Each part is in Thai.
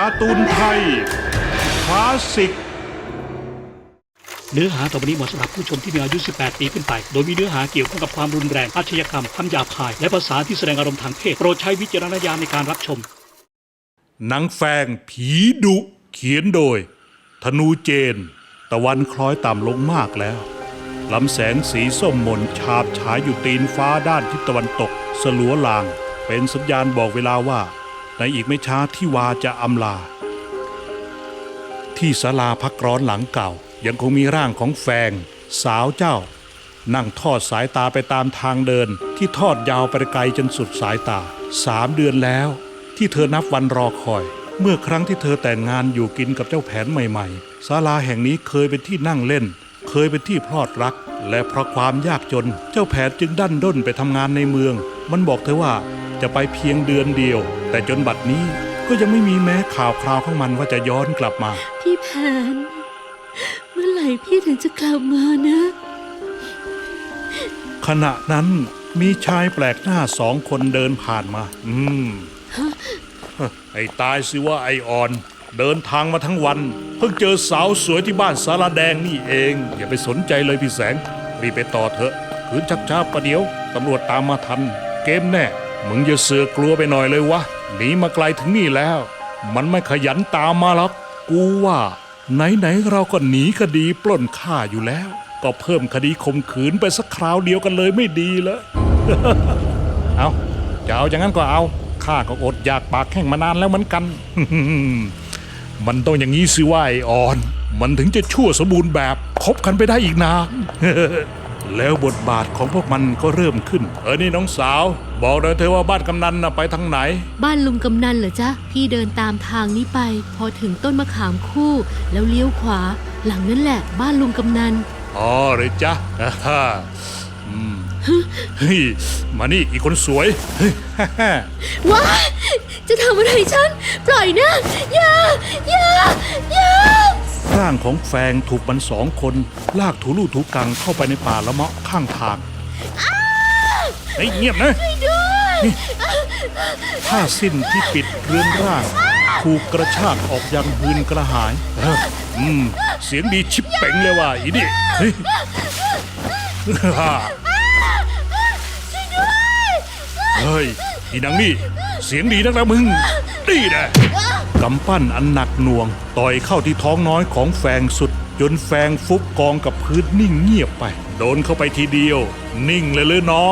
การ์ตูนไทยคลาสสิกเนื้อหาต่อไปนี้เหมาะสำหรับผู้ชมที่มีอายุ 18 ปีขึ้นไปโดยมีเนื้อหาเกี่ยวข้องกับความรุนแรงอาชญากรรมคำหยาบคายและภาษาที่แสดงอารมณ์ทางเพศโปรดใช้วิจารณญาณในการรับชมหนังแฟงผีดุเขียนโดยธนูเจนตะวันคล้อยต่ำลงมากแล้วลำแสงสีส้มมนฉาบฉายอยู่ตีนฟ้าด้านทิศตะวันตกสลัวลางเป็นสัญญาณบอกเวลาว่าในอีกไม่ช้าที่วาจะอำลาที่ศาลาพักร้อนหลังเก่ายังคงมีร่างของแฟงสาวเจ้านั่งทอดสายตาไปตามทางเดินที่ทอดยาวไปไกลจนสุดสายตา3 เดือนแล้วที่เธอนับวันรอคอยเมื่อครั้งที่เธอแต่งงานอยู่กินกับเจ้าแผนใหม่ๆศาลาแห่งนี้เคยเป็นที่นั่งเล่นเคยเป็นที่พลอดรักและเพราะความยากจนเจ้าแผนจึงดันด้นไปทำงานในเมืองมันบอกเธอว่าจะไปเพียงเดือนเดียวแต่จนบัดนี้ก็ยังไม่มีแม้ข่าวคราวของมันว่าจะย้อนกลับมาพี่แผนเมื่อไหร่พี่ถึงจะกลับมานะขณะนั้นมีชายแปลกหน้า2 คนเดินผ่านมาไอ้ตายสิว่าไอ้อ่อนเดินทางมาทั้งวันเพิ่งเจอสาวสวยที่บ้านสาราแดงนี่เองอย่าไปสนใจเลยพี่แสงรีบไปต่อเถอะขืนชักช้าประเดี๋ยวตำรวจตามมาทันเกมแน่มึงอย่าเสือกลัวไปหน่อยเลยวะหนีมาไกลถึงนี่แล้วมันไม่ขยันตามมาหรอกกูว่าไหนเราก็หนีคดีปล้นฆ่าอยู่แล้วก็เพิ่มคดีข่มขืนไปสักคราวเดียวกันเลยไม่ดีเหรอ เอาจะเอาอย่างนั้นก็เอาข้าก็อดอยากปากแห้งมานานแล้วเหมือนกัน มันต้องอย่างนี้สิว่าไอ้อ่อนมันถึงจะชั่วสมบูรณ์แบบคบกันไปได้อีกนาน แล้วบทบาทของพวกมันก็เริ่มขึ้นนี่น้องสาวบอกเลยเธอว่าบ้านกำนันน่ะไปทางไหนบ้านลุงกำนันเหรอจ๊ะพี่เดินตามทางนี้ไปพอถึงต้นมะขามคู่แล้วเลี้ยวขวาหลังนั่นแหละบ้านลุงกำนันอ๋อเลยจ๊ะเฮ้ยมานี่อีกคนสวยว้าจะทำอะไรฉันปล่อยนะอย่าร่างของแฟงถูกมัน2 คนลากถูลู่ถูกังเข้าไปในป่าละเมาะข้างทางเฮ้ยเงียบนะนี่ผ้าสิ้นที่ปิดเรือนร่างถูกกระชากออกยังหืนกระหายเสียงดีชิบเป่งเลยว่ะอีนี่เฮ้ยเฮ้ยอีนางนี่เสียงดีนักนะมึงนี่แหละกำปั้นอันหนักหน่วงต่อยเข้าที่ท้องน้อยของแฟงสุดจนแฟงฟุบกองกับพื้นนิ่งเงียบไปโดนเข้าไปทีเดียวนิ่งเลยน้อง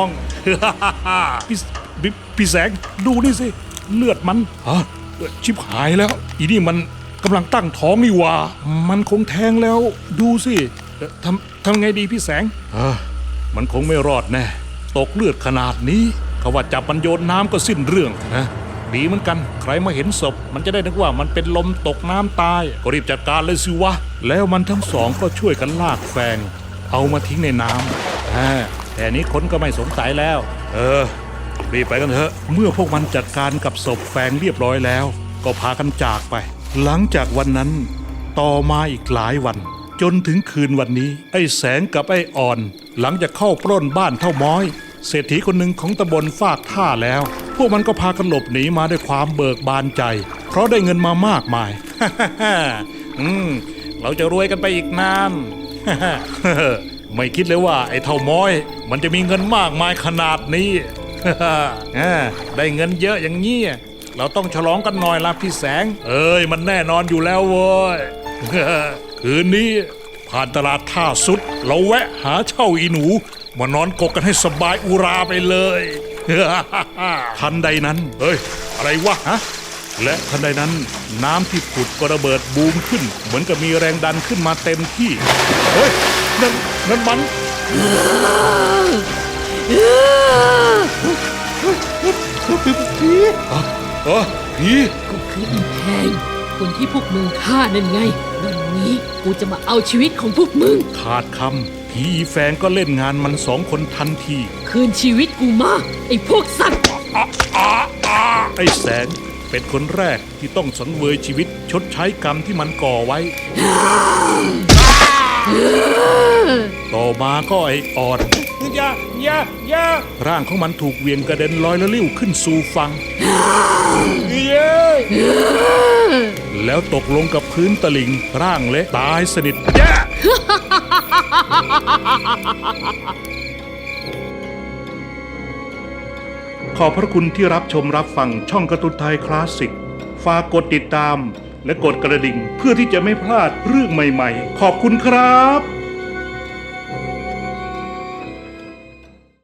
พี่แสงดูนี่สิเลือดมันชิบหายแล้วอีนี่มันกำลังตั้งท้องนี่ว่ามันคงแทงแล้วดูสิทำไงดีพี่แสงมันคงไม่รอดแน่ตกเลือดขนาดนี้เขาว่าจับมันโยนน้ำก็สิ้นเรื่องนะดีเหมือนกันใครมาเห็นศพมันจะได้นึกว่ามันเป็นลมตกน้ำตายก็รีบจัดการเลยสิวะแล้วมันทั้ง2ก็ช่วยกันลากแฟงเอามาทิ้งในน้ำแต่นี้คนก็ไม่สงสัยแล้วรีบไปกันเถอะเมื่อพวกมันจัดการกับศพแฟงเรียบร้อยแล้วก็พากันจากไปหลังจากวันนั้นต่อมาอีกหลายวันจนถึงคืนวันนี้ไอ้แสงกับไอ้อ่อนหลังจากเข้าปล้นบ้านเท่าม้อยเศรษฐีคนหนึ่งของตำบลฟากท่าแล้วพวกมันก็พากันหลบหนีมาด้วยความเบิกบานใจเพราะได้เงินมามากมาย เราจะรวยกันไปอีกนาน ไม่คิดเลยว่าไอ้เท่าม้อยมันจะมีเงินมากมายขนาดนี้ ได้เงินเยอะอย่างนี้เราต้องฉลองกันหน่อยละพี่แสงมันแน่นอนอยู่แล้วเว้ย คืนนี้ผ่านตลาดท่าสุดเราแวะหาเช่าอีหนูมานอนกกกันให้สบายอุราไปเลย ทันใดนั้นอะไรวะฮะและทันใดนั้นน้ำที่ผุดก็ระเบิดบูมขึ้นเหมือนกับมีแรงดันขึ้นมาเต็มที่นั่นมันผีก็คืออีแพงคนที่พวกมึงฆ่านั่นไงวันนี้กูจะมาเอาชีวิตของพวกมึงขาดคำผีอีแฟงก็เล่นงานมัน2 คนทันทีคืนชีวิตกูมาไอ้พวกสัตว์ไอ้แสงเป็นคนแรกที่ต้องสังเวยชีวิตชดใช้กรรมที่มันก่อไว้ ต่อมาก็ไอ้อ่อนอย่าร่างของมันถูกเวียงกระเด็นลอยละลิ้วขึ้นสู่ฝั่งแล้วตกลงกับพื้นตลิ่งร่างเละตายสนิทแย่ ขอบพระคุณที่รับชมรับฟังช่องการ์ตูนไทยคลาสสิกฝากกดติดตามและกดกระดิ่งเพื่อที่จะไม่พลาดเรื่องใหม่ๆ ขอบคุณครับ